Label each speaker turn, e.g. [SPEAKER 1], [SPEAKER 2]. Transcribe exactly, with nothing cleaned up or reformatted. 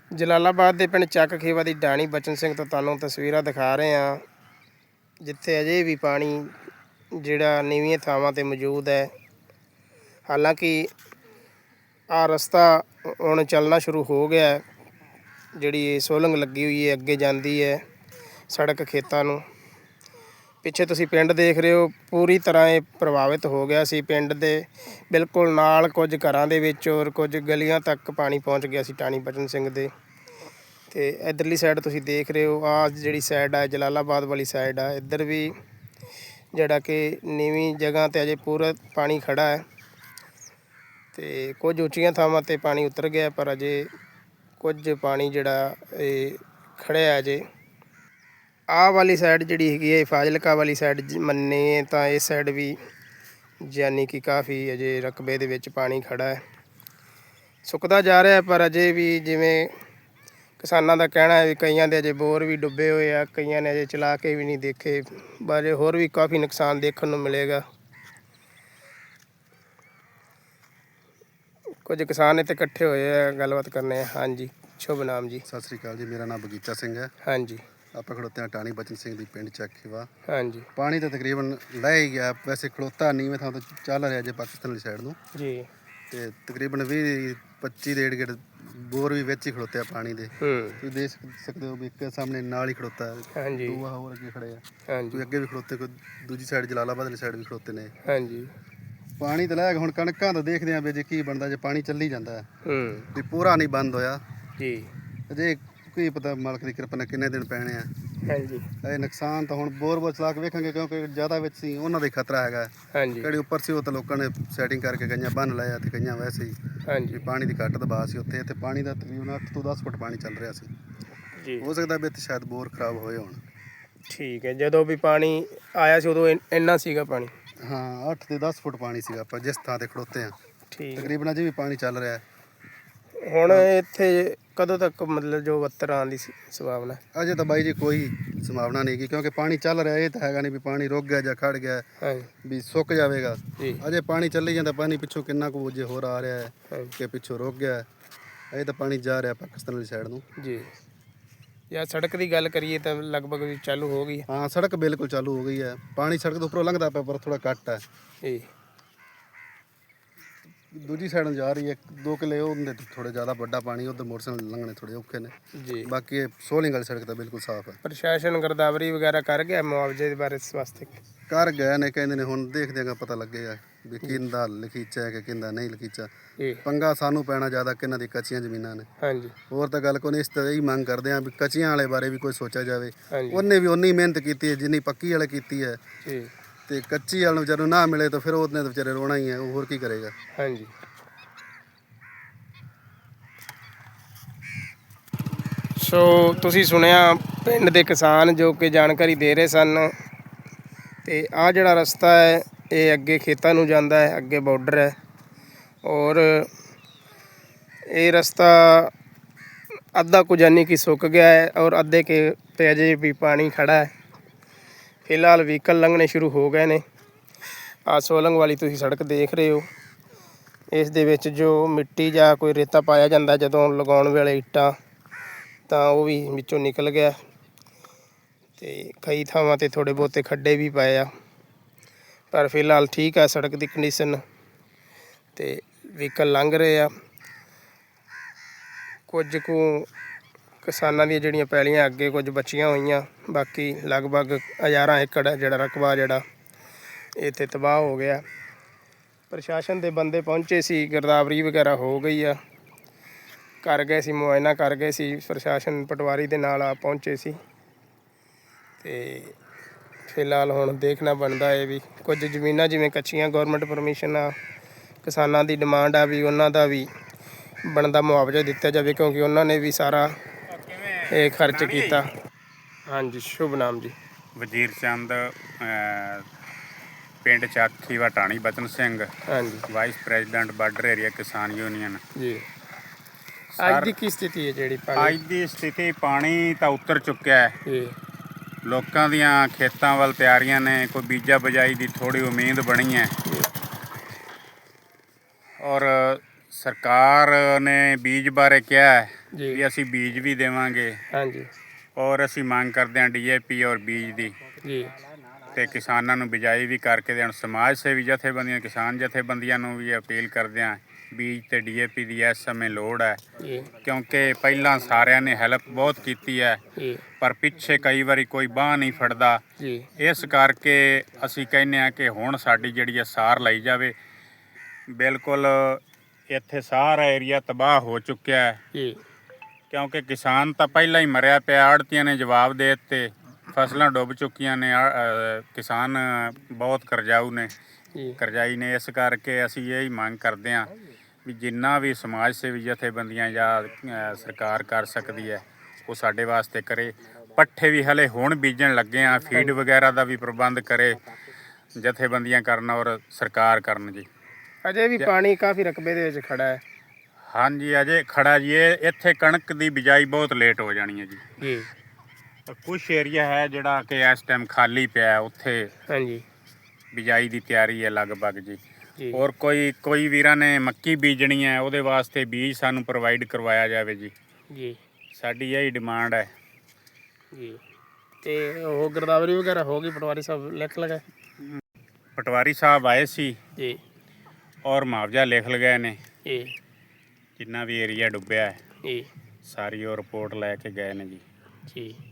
[SPEAKER 1] ਜਲਾਲਾਬਾਦ ਦੇ ਪਿੰਡ ਚੱਕ ਖੇਵਾ ਦੀ ਢਾਣੀ ਬਚਨ ਸਿੰਘ ਤੋਂ ਤੁਹਾਨੂੰ ਤਸਵੀਰਾਂ ਦਿਖਾ ਰਹੇ ਹਾਂ, ਜਿੱਥੇ ਅਜੇ ਵੀ ਪਾਣੀ ਜਿਹੜਾ ਨੀਵੀਆਂ ਥਾਵਾਂ 'ਤੇ ਮੌਜੂਦ ਹੈ। ਹਾਲਾਂਕਿ ਆ ਰਸਤਾ ਹੁਣ ਚੱਲਣਾ ਸ਼ੁਰੂ ਹੋ ਗਿਆ। ਜਿਹੜੀ ਇਹ ਸੋਲੰਗ ਲੱਗੀ ਹੋਈ ਹੈ ਅੱਗੇ ਜਾਂਦੀ ਹੈ ਸੜਕ ਖੇਤਾਂ ਨੂੰ। ਪਿੱਛੇ ਤੁਸੀਂ ਪਿੰਡ ਦੇਖ ਰਹੇ ਹੋ, ਪੂਰੀ ਤਰ੍ਹਾਂ ਇਹ ਪ੍ਰਭਾਵਿਤ ਹੋ ਗਿਆ ਸੀ। ਪਿੰਡ ਦੇ ਬਿਲਕੁਲ ਨਾਲ ਕੁਝ ਘਰਾਂ ਦੇ ਵਿੱਚ ਔਰ ਕੁਝ ਗਲੀਆਂ ਤੱਕ ਪਾਣੀ ਪਹੁੰਚ ਗਿਆ ਸੀ ਢਾਣੀ ਬਚਨ ਸਿੰਘ ਦੇ। ਅਤੇ ਇੱਧਰਲੀ ਸਾਈਡ ਤੁਸੀਂ ਦੇਖ ਰਹੇ ਹੋ, ਆਹ ਜਿਹੜੀ ਸਾਈਡ ਆ ਜਲਾਲਾਬਾਦ ਵਾਲੀ ਸਾਈਡ ਆ, ਇੱਧਰ ਵੀ ਜਿਹੜਾ ਕਿ ਨੀਵੀਂ ਜਗ੍ਹਾ 'ਤੇ ਅਜੇ ਪੂਰਾ ਪਾਣੀ ਖੜ੍ਹਾ ਹੈ ਅਤੇ ਕੁਝ ਉੱਚੀਆਂ ਥਾਵਾਂ 'ਤੇ ਪਾਣੀ ਉਤਰ ਗਿਆ, ਪਰ ਅਜੇ ਕੁਝ ਪਾਣੀ ਜਿਹੜਾ ਇਹ ਖੜ੍ਹਿਆ ਅਜੇ। ਆਹ ਵਾਲੀ ਸਾਈਡ ਜਿਹੜੀ ਹੈਗੀ ਹੈ ਫਾਜ਼ਿਲਕਾ ਵਾਲੀ ਸਾਈਡ ਮੰਨੇ ਤਾਂ ਇਸ ਸਾਈਡ ਵੀ ਯਾਨੀ ਕਿ ਕਾਫੀ ਅਜੇ ਰਕਬੇ ਦੇ ਵਿੱਚ ਪਾਣੀ ਖੜ੍ਹਾ ਹੈ। ਸੁੱਕਦਾ ਜਾ ਰਿਹਾ, ਪਰ ਅਜੇ ਵੀ ਜਿਵੇਂ ਕਿਸਾਨਾਂ ਦਾ ਕਹਿਣਾ ਹੈ ਵੀ ਕਈਆਂ ਦੇ ਅਜੇ ਬੋਰ ਵੀ ਡੁੱਬੇ ਹੋਏ ਆ, ਕਈਆਂ ਨੇ ਅਜੇ ਚਲਾ ਕੇ ਵੀ ਨਹੀਂ ਦੇਖੇ। ਬਾਰੇ ਹੋਰ ਵੀ ਕਾਫੀ ਨੁਕਸਾਨ ਦੇਖਣ ਨੂੰ ਮਿਲੇਗਾ। ਕੁਝ ਕਿਸਾਨ ਇੱਥੇ ਇਕੱਠੇ ਹੋਏ ਆ, ਗੱਲਬਾਤ ਕਰਨੇ ਆ। ਹਾਂਜੀ, ਸ਼ੁਭ ਨਾਮ ਜੀ?
[SPEAKER 2] ਸਤਿ ਸ਼੍ਰੀ ਅਕਾਲ ਜੀ, ਮੇਰਾ ਨਾਮ ਬਗੀਚਾ ਸਿੰਘ ਹੈ।
[SPEAKER 1] ਹਾਂਜੀ,
[SPEAKER 2] ਆਪਾਂ ਖੜੋਤੇ ਹਾਂ ਢਾਣੀ ਬਚਨ ਸਿੰਘ ਦੀ ਪਿੰਡ ਚੱਕ ਖੇਵਾ।
[SPEAKER 1] ਹਾਂਜੀ,
[SPEAKER 2] ਪਾਣੀ ਤਾਂ ਤਕਰੀਬਨ ਲੈ ਹੀ ਗਿਆ, ਵੈਸੇ ਖੜੋਤਾ ਨੀਵੇਂ ਥਾਂ ਤੋਂ ਚੱਲ ਰਿਹਾ ਜੇ ਪਾਕਿਸਤਾਨ ਵਾਲੀ ਸਾਈਡ ਨੂੰ
[SPEAKER 1] ਜੀ।
[SPEAKER 2] ਤੇ ਤਕਰੀਬਨ ਵੀਹ ਪੱਚੀ ਦੇ ਏੜ ਬੋਰ ਵੀ ਵਿੱਚ ਹੀ ਖੜੋਤੇ ਆ ਪਾਣੀ ਦੇ।
[SPEAKER 1] ਹੂੰ,
[SPEAKER 2] ਤੁਸੀਂ ਦੇਖ ਸਕਦੇ ਹੋ ਵੀ ਇੱਕ ਸਾਹਮਣੇ ਨਾਲ ਹੀ ਖੜੋਤਾ ਹੈ,
[SPEAKER 1] ਹਾਂਜੀ,
[SPEAKER 2] ਦੋ ਹੋਰ ਅੱਗੇ ਖੜੇ ਆ,
[SPEAKER 1] ਹਾਂਜੀ,
[SPEAKER 2] ਕੋਈ ਅੱਗੇ ਵੀ ਖੜੋਤੇ, ਕੋਈ ਦੂਜੀ ਸਾਈਡ ਜਲਾਲਾਬਾਦ ਵਾਲੀ ਸਾਈਡ ਵੀ ਖੜੋਤੇ ਨੇ।
[SPEAKER 1] ਹਾਂਜੀ।
[SPEAKER 2] ਪਾਣੀ ਤਾਂ ਲੈ ਗਿਆ, ਹੁਣ ਕਣਕਾਂ ਤਾਂ ਦੇਖਦੇ ਆ ਵੀ ਜੇ ਕੀ ਬਣਦਾ, ਜੇ ਪਾਣੀ ਚੱਲੀ ਜਾਂਦਾ ਹੈ
[SPEAKER 1] ਹੂੰ,
[SPEAKER 2] ਵੀ ਪੂਰਾ ਨਹੀਂ ਬੰਦ ਹੋਇਆ
[SPEAKER 1] ਜੀ।
[SPEAKER 2] ਅਜੇ ਕੀ ਪਤਾ ਮਾਲਕ ਦੀ ਕਿਰਪਾ ਨਾਲ ਕਿੰਨੇ ਦਿਨ ਪੈਣੇ ਆ।
[SPEAKER 1] ਹਾਂਜੀ,
[SPEAKER 2] ਇਹ ਨੁਕਸਾਨ ਤਾਂ ਹੁਣ ਬੋਰ ਬੋਰ ਚਲਾ ਕੇ ਵੇਖਾਂਗੇ, ਕਿਉਂਕਿ ਜ਼ਿਆਦਾ ਵਿੱਚ ਸੀ ਉਹਨਾਂ ਦਾ ਹੀ ਖਤਰਾ ਹੈਗਾ।
[SPEAKER 1] ਹਾਂਜੀ,
[SPEAKER 2] ਕਿਹੜੀ ਉੱਪਰ ਸੀ ਉਹ ਤਾਂ ਲੋਕਾਂ ਨੇ ਸੈਟਿੰਗ ਕਰਕੇ ਗਈਆਂ ਬੰਨ ਲਾਇਆ, ਤੇ ਗਈਆਂ ਵੈਸੇ ਹੀ
[SPEAKER 1] ਹਾਂਜੀ,
[SPEAKER 2] ਵੀ ਪਾਣੀ ਦੀ ਘੱਟ ਦਬਾਅ ਸੀ ਉੱਥੇ। ਇੱਥੇ ਪਾਣੀ ਦਾ ਤਕਰੀਬਨ ਅੱਠ ਤੋਂ ਦਸ ਫੁੱਟ ਪਾਣੀ ਚੱਲ ਰਿਹਾ ਸੀ।
[SPEAKER 1] ਜੀ।
[SPEAKER 2] ਹੋ ਸਕਦਾ ਵੀ ਇੱਥੇ ਸ਼ਾਇਦ ਬੋਰ ਖਰਾਬ ਹੋਏ ਹੋਣ।
[SPEAKER 1] ਠੀਕ ਹੈ, ਜਦੋਂ ਵੀ ਪਾਣੀ ਆਇਆ ਸੀ ਉਦੋਂ ਇਨ- ਇੰਨਾ ਸੀਗਾ ਪਾਣੀ?
[SPEAKER 2] ਹਾਂ, ਅੱਠ ਤੇ ਦਸ ਫੁੱਟ ਪਾਣੀ ਸੀਗਾ ਆਪਾਂ ਜਿਸ ਥਾਂ ਤੇ ਖੜੋਤੇ ਹਾਂ।
[SPEAKER 1] ਠੀਕ।
[SPEAKER 2] ਤਕਰੀਬਨ ਅਜੇ ਵੀ ਪਾਣੀ ਚੱਲ ਰਿਹਾ।
[SPEAKER 1] ਹੁਣ ਇੱਥੇ ਕਦੋਂ ਤੱਕ ਮਤਲਬ ਜੋ ਵੱਤਰ ਆਉਣ ਦੀ ਸ- ਸੰਭਾਵਨਾ?
[SPEAKER 2] ਅਜੇ ਤਾਂ ਬਾਈ ਜੀ ਕੋਈ ਸੰਭਾਵਨਾ ਨਹੀਂ ਗੀ, ਕਿਉਂਕਿ ਪਾਣੀ ਚੱਲ ਰਿਹਾ। ਇਹ ਤਾਂ ਹੈਗਾ ਨਹੀਂ ਵੀ ਪਾਣੀ ਰੁਕ ਗਿਆ ਜਾਂ ਖੜ ਗਿਆ
[SPEAKER 1] ਹਾਂਜੀ,
[SPEAKER 2] ਵੀ ਸੁੱਕ ਜਾਵੇਗਾ।
[SPEAKER 1] ਜੀ।
[SPEAKER 2] ਅਜੇ ਪਾਣੀ ਚੱਲੀ ਜਾਂਦਾ, ਪਾਣੀ ਪਿੱਛੋਂ ਕਿੰਨਾ ਕੁ ਜੇ ਹੋਰ ਆ ਰਿਹਾ ਹੈ
[SPEAKER 1] ਹਾਂਜੀ,
[SPEAKER 2] ਕਿ ਪਿੱਛੋਂ ਰੁਕ ਗਿਆ। ਅਜੇ ਤਾਂ ਪਾਣੀ ਜਾ ਰਿਹਾ ਪਾਕਿਸਤਾਨ ਵਾਲੀ ਸਾਈਡ ਨੂੰ।
[SPEAKER 1] ਜੀ। ਜਾਂ ਸੜਕ ਦੀ ਗੱਲ ਕਰੀਏ ਤਾਂ ਲਗਭਗ ਵੀ ਚਾਲੂ ਹੋ ਗਈ ਹੈ।
[SPEAKER 2] ਹਾਂ, ਸੜਕ ਬਿਲਕੁਲ ਚਾਲੂ ਹੋ ਗਈ ਹੈ। ਪਾਣੀ ਸੜਕ ਤੋਂ ਉੱਪਰੋਂ ਲੰਘਦਾ ਪਿਆ, ਪਰ ਥੋੜਾ ਘੱਟ ਹੈ।
[SPEAKER 1] ਜੀ,
[SPEAKER 2] ਦੂਜੀ ਸਾਈਡ ਨੂੰ ਜਾ ਰਹੀ ਹੈ, ਦੋ ਕਿੱਲੇ ਉਹਦੇ ਥੋੜੇ ਜ਼ਿਆਦਾ ਵੱਡਾ ਪਾਣੀ, ਉਧਰ ਮੋਟਰਸਾਈਕਲ ਲੰਘਣੇ ਥੋੜੇ ਔਖੇ ਨੇ।
[SPEAKER 1] ਜੀ।
[SPEAKER 2] ਬਾਕੀ ਇਹ ਸੋਲਿੰਗ ਵਾਲੀ ਸੜਕ ਤਾਂ ਬਿਲਕੁਲ ਸਾਫ਼ ਹੈ।
[SPEAKER 1] ਪ੍ਰਸ਼ਾਸਨ ਗਿਰਦਾਵਰੀ ਵਗੈਰਾ ਕਰ ਗਿਆ ਮੁਆਵਜ਼ੇ ਦੇ ਬਾਰੇ ਇਸ ਵਾਸਤੇ?
[SPEAKER 2] ਕਰ ਗਏ ਨੇ, ਕਹਿੰਦੇ ਨੇ, ਹੁਣ ਦੇਖਦੇ ਆਂ ਪਤਾ ਲੱਗੇਗਾ ਵੀ ਕਿਹਦਾ ਲਖੀਚਾ ਹੈ ਕਿ ਕਿਹਦਾ ਨਹੀਂ ਲਖੀਚਾ।
[SPEAKER 1] ਜੀ।
[SPEAKER 2] ਪੰਗਾ ਸਾਨੂੰ ਪੈਣਾ ਜ਼ਿਆਦਾ ਕਿ ਇਹਨਾਂ ਦੀ ਕੱਚੀਆਂ ਜ਼ਮੀਨਾਂ ਨੇ।
[SPEAKER 1] ਹਾਂਜੀ,
[SPEAKER 2] ਹੋਰ ਤਾਂ ਗੱਲ ਕੋਈ ਨਹੀਂ। ਇਸ ਤਰ੍ਹਾਂ ਹੀ ਮੰਗ ਕਰਦੇ ਆਂ ਵੀ ਕੱਚੀਆਂ ਵਾਲੇ ਬਾਰੇ ਵੀ ਕੋਈ ਸੋਚਿਆ ਜਾਵੇ।
[SPEAKER 1] ਹਾਂਜੀ,
[SPEAKER 2] ਉਹਨੇ ਵੀ ਉਨੀ ਮਿਹਨਤ ਕੀਤੀ ਹੈ ਜਿੰਨੀ ਪੱਕੀ ਵਾਲੇ ਕੀਤੀ ਹੈ,
[SPEAKER 1] ਜੀ,
[SPEAKER 2] ਤੇ ਕੱਚੀ ਵਾਲੇ ਨੂੰ ਵਿਚਾਰੇ ਨੂੰ ਨਾ ਮਿਲੇ ਤਾਂ ਫਿਰ ਉਹਨੇ ਤਾਂ ਵਿਚਾਰੇ ਰੋਣਾ ਹੀ ਹੈ। ਉਹ ਹੋਰ ਕੀ ਕਰੇਗਾ।
[SPEAKER 1] ਹਾਂਜੀ। ਸੋ ਤੁਸੀਂ ਸੁਣਿਆ ਪਿੰਡ ਦੇ ਕਿਸਾਨ ਜੋ ਕਿ ਜਾਣਕਾਰੀ ਦੇ ਰਹੇ ਸਨ। ਅਤੇ ਆਹ ਜਿਹੜਾ ਰਸਤਾ ਹੈ ਇਹ ਅੱਗੇ ਖੇਤਾਂ ਨੂੰ ਜਾਂਦਾ ਹੈ, ਅੱਗੇ ਬਾਰਡਰ ਹੈ, ਔਰ ਇਹ ਰਸਤਾ ਅੱਧਾ ਕੁ ਯਾਨੀ ਕਿ ਸੁੱਕ ਗਿਆ ਹੈ ਔਰ ਅੱਧੇ ਕੇ 'ਤੇ ਅਜੇ ਵੀ ਪਾਣੀ ਖੜ੍ਹਾ ਹੈ। ਫਿਲਹਾਲ ਵਹੀਕਲ ਲੰਘਣੇ ਸ਼ੁਰੂ ਹੋ ਗਏ ਨੇ। ਆਹ ਸੋਲੰਗ ਵਾਲੀ ਤੁਸੀਂ ਸੜਕ ਦੇਖ ਰਹੇ ਹੋ, ਇਸ ਦੇ ਵਿੱਚ ਜੋ ਮਿੱਟੀ ਜਾਂ ਕੋਈ ਰੇਤਾ ਪਾਇਆ ਜਾਂਦਾ ਜਦੋਂ ਲਗਾਉਣ ਵੇਲੇ ਇੱਟਾਂ, ਤਾਂ ਉਹ ਵੀ ਵਿੱਚੋਂ ਨਿਕਲ ਗਿਆ। ਅਤੇ ਕਈ ਥਾਵਾਂ 'ਤੇ ਥੋੜ੍ਹੇ ਬਹੁਤੇ ਖੱਡੇ ਵੀ ਪਏ ਆ, ਪਰ ਫਿਲਹਾਲ ਠੀਕ ਆ ਸੜਕ ਦੀ ਕੰਡੀਸ਼ਨ, ਅਤੇ ਵਹੀਕਲ ਲੰਘ ਰਹੇ ਆ। ਕੁਝ ਕੁ ਕਿਸਾਨਾਂ ਦੀਆਂ ਜਿਹੜੀਆਂ ਪੈਲੀਆਂ ਅੱਗੇ ਕੁਝ ਬਚੀਆਂ ਹੋਈਆਂ, ਬਾਕੀ ਲਗਭਗ ਹਜ਼ਾਰਾਂ ਏਕੜ ਜਿਹੜਾ ਰਕਬਾ ਜਿਹੜਾ ਇੱਥੇ ਤਬਾਹ ਹੋ ਗਿਆ। ਪ੍ਰਸ਼ਾਸਨ ਦੇ ਬੰਦੇ ਪਹੁੰਚੇ ਸੀ, ਗਿਰਦਾਵਰੀ ਵਗੈਰਾ ਹੋ ਗਈ ਆ, ਕਰ ਗਏ ਸੀ, ਮੁਆਇਨਾ ਕਰ ਗਏ ਸੀ। ਪ੍ਰਸ਼ਾਸਨ ਪਟਵਾਰੀ ਦੇ ਨਾਲ ਆ ਪਹੁੰਚੇ ਸੀ। ਅਤੇ ਫਿਲਹਾਲ ਹੁਣ ਦੇਖਣਾ ਬਣਦਾ ਹੈ ਵੀ ਕੁਝ ਜ਼ਮੀਨਾਂ ਜਿਵੇਂ ਕੱਚੀਆਂ ਗੌਰਮੈਂਟ ਪਰਮਿਸ਼ਨ ਆ, ਕਿਸਾਨਾਂ ਦੀ ਡਿਮਾਂਡ ਆ ਵੀ ਉਹਨਾਂ ਦਾ ਵੀ ਬਣਦਾ ਮੁਆਵਜ਼ਾ ਦਿੱਤਾ ਜਾਵੇ, ਕਿਉਂਕਿ ਉਹਨਾਂ ਨੇ ਵੀ ਸਾਰਾ ਇਹ ਖਰਚ ਕੀਤਾ। ਹਾਂਜੀ, ਸ਼ੁਭ ਨਾਮ ਜੀ?
[SPEAKER 3] ਵਜ਼ੀਰ ਚੰਦ, ਪਿੰਡ ਚੱਕ ਖੇਵਾ ਢਾਣੀ ਬਚਨ ਸਿੰਘ।
[SPEAKER 1] ਹਾਂਜੀ,
[SPEAKER 3] ਵਾਈਸ ਪ੍ਰੈਜ਼ੀਡੈਂਟ ਬਾਰਡਰ ਏਰੀਆ ਕਿਸਾਨ ਯੂਨੀਅਨ।
[SPEAKER 1] ਜੀ। ਅੱਜ ਦੀ ਕੀ ਸਥਿਤੀ ਹੈ ਜਿਹੜੀ ਪਾਣੀ?
[SPEAKER 3] ਅੱਜ ਦੀ ਸਥਿਤੀ, ਪਾਣੀ ਤਾਂ ਉਤਰ ਚੁੱਕਿਆ ਹੈ।
[SPEAKER 1] ਜੀ।
[SPEAKER 3] ਲੋਕਾਂ ਦੀਆਂ ਖੇਤਾਂ ਵੱਲ ਤਿਆਰੀਆਂ ਨੇ, ਕੋਈ ਬੀਜਾ ਬਜਾਈ ਦੀ ਥੋੜ੍ਹੀ ਉਮੀਦ ਬਣੀ ਹੈ, ਔਰ ਸਰਕਾਰ ਨੇ ਬੀਜ ਬਾਰੇ ਕਿਹਾ ਹੈ
[SPEAKER 1] ਜੀ
[SPEAKER 3] ਵੀ ਅਸੀਂ ਬੀਜ ਵੀ ਦੇਵਾਂਗੇ
[SPEAKER 1] ਹਾਂਜੀ
[SPEAKER 3] ਔਰ ਅਸੀਂ ਮੰਗ ਕਰਦੇ ਹਾਂ ਡੀ ਏ ਪੀ ਔਰ ਬੀਜ ਦੀ,
[SPEAKER 1] ਜੀ
[SPEAKER 3] ਤੇ ਕਿਸਾਨਾਂ ਨੂੰ ਬਿਜਾਈ ਵੀ ਕਰਕੇ ਦੇਣ। ਸਮਾਜ ਸੇਵੀ ਜਥੇਬੰਦੀਆਂ, ਕਿਸਾਨ ਜਥੇਬੰਦੀਆਂ ਨੂੰ ਵੀ ਅਪੀਲ ਕਰਦੇ ਹਾਂ ਬੀਜ ਤੇ ਡੀ ਏ ਪੀ ਦੀ ਇਸ ਸਮੇਂ ਲੋੜ ਹੈ,
[SPEAKER 1] ਜੀ
[SPEAKER 3] ਕਿਉਂਕਿ ਪਹਿਲਾਂ ਸਾਰਿਆਂ ਨੇ ਹੈਲਪ ਬਹੁਤ ਕੀਤੀ ਹੈ
[SPEAKER 1] ਜੀ
[SPEAKER 3] ਪਰ ਪਿੱਛੇ ਕਈ ਵਾਰੀ ਕੋਈ ਬਾਂਹ ਨਹੀਂ ਫੜਦਾ।
[SPEAKER 1] ਜੀ
[SPEAKER 3] ਇਸ ਕਰਕੇ ਅਸੀਂ ਕਹਿੰਦੇ ਹਾਂ ਕਿ ਹੁਣ ਸਾਡੀ ਜਿਹੜੀ ਹੈ ਸਾਰ ਲਈ ਜਾਵੇ। ਬਿਲਕੁਲ ਇੱਥੇ ਸਾਰਾ ਏਰੀਆ ਤਬਾਹ ਹੋ ਚੁੱਕਿਆ ਹੈ,
[SPEAKER 1] ਜੀ
[SPEAKER 3] ਕਿਉਂਕਿ ਕਿਸਾਨ ਤਾਂ ਪਹਿਲਾਂ ਹੀ ਮਰਿਆ ਪਿਆ। ਆੜ੍ਹਤੀਆਂ ਨੇ ਜਵਾਬ ਦੇ ਦਿੱਤੇ, ਫਸਲਾਂ ਡੁੱਬ ਚੁੱਕੀਆਂ ਨੇ। ਆ- ਅ, ਕਿਸਾਨ ਬਹੁਤ ਕਰਜ਼ਾਊ ਨੇ,
[SPEAKER 1] ਜੀ
[SPEAKER 3] ਕਰਜ਼ਾਈ ਨੇ। ਇਸ ਕਰਕੇ ਅਸੀਂ ਇਹ ਹੀ ਮੰਗ ਕਰਦੇ ਹਾਂ ਵੀ ਜਿੰਨਾ ਵੀ ਸਮਾਜ ਸੇਵੀ ਜਥੇਬੰਦੀਆਂ ਜਾਂ ਅ, ਸਰਕਾਰ ਕਰ ਸਕਦੀ ਹੈ ਉਹ ਸਾਡੇ ਵਾਸਤੇ ਕਰੇ। ਪੱਠੇ ਵੀ ਹਲੇ ਹੁਣ ਬੀਜਣ ਲੱਗੇ ਆ, ਫੀਡ ਵਗੈਰਾ ਦਾ ਵੀ ਪ੍ਰਬੰਧ ਕਰੇ, ਜਥੇਬੰਦੀਆਂ ਕਰਨ ਔਰ ਸਰਕਾਰ ਕਰਨ ਜੀ।
[SPEAKER 1] ਅਜੇ ਵੀ ਪਾਣੀ ਕਾਫੀ ਰਕਬੇ ਦੇ ਵਿੱਚ ਖੜਾ ਹੈ।
[SPEAKER 3] ਹਾਂਜੀ ਅਜੇ ਖੜਾ ਜੀ। ਇਹ ਇੱਥੇ ਕਣਕ ਦੀ ਬਿਜਾਈ ਬਹੁਤ ਲੇਟ ਹੋ ਜਾਣੀ ਹੈ ਜੀ।
[SPEAKER 1] ਜੀ
[SPEAKER 3] ਕੁਛ ਏਰੀਆ ਹੈ ਜਿਹੜਾ ਕਿ ਇਸ ਟਾਈਮ ਖਾਲੀ ਪਿਆ ਹੈ, ਉੱਥੇ
[SPEAKER 1] ਹਾਂਜੀ
[SPEAKER 3] ਬਿਜਾਈ ਦੀ ਤਿਆਰੀ ਹੈ ਲਗਭਗ ਜੀ।
[SPEAKER 1] ਜੀ
[SPEAKER 3] ਔਰ ਕੋਈ ਕੋਈ ਵੀਰਾਂ ਨੇ ਮੱਕੀ ਬੀਜਣੀ ਹੈ, ਉਹਦੇ ਵਾਸਤੇ ਬੀਜ ਸਾਨੂੰ ਪ੍ਰੋਵਾਈਡ ਕਰਵਾਇਆ ਜਾਵੇ ਜੀ।
[SPEAKER 1] ਜੀ
[SPEAKER 3] ਸਾਡੀ ਇਹੀ ਡਿਮਾਂਡ ਹੈ
[SPEAKER 1] ਜੀ ਤੇ ਉਹ ਗਿਰਦਾਵਰੀ ਵਗੈਰਾ ਹੋ ਗਈ, ਪਟਵਾਰੀ ਸਾਹਿਬ ਲਿਖ ਲਗਾ?
[SPEAKER 3] ਪਟਵਾਰੀ ਸਾਹਿਬ ਆਏ ਸੀ
[SPEAKER 1] ਜੀ
[SPEAKER 3] ਔਰ ਮੁਆਵਜ਼ਾ ਲਿਖ ਲਗਾਏ ਨੇ।
[SPEAKER 1] ਜੀ
[SPEAKER 3] ਜਿੰਨਾ ਵੀ ਏਰੀਆ ਡੁੱਬਿਆ ਹੈ
[SPEAKER 1] ਜੀ
[SPEAKER 3] ਸਾਰੀ ਉਹ ਰਿਪੋਰਟ ਲੈ ਕੇ ਗਏ ਨੇ ਜੀ।
[SPEAKER 1] ਜੀ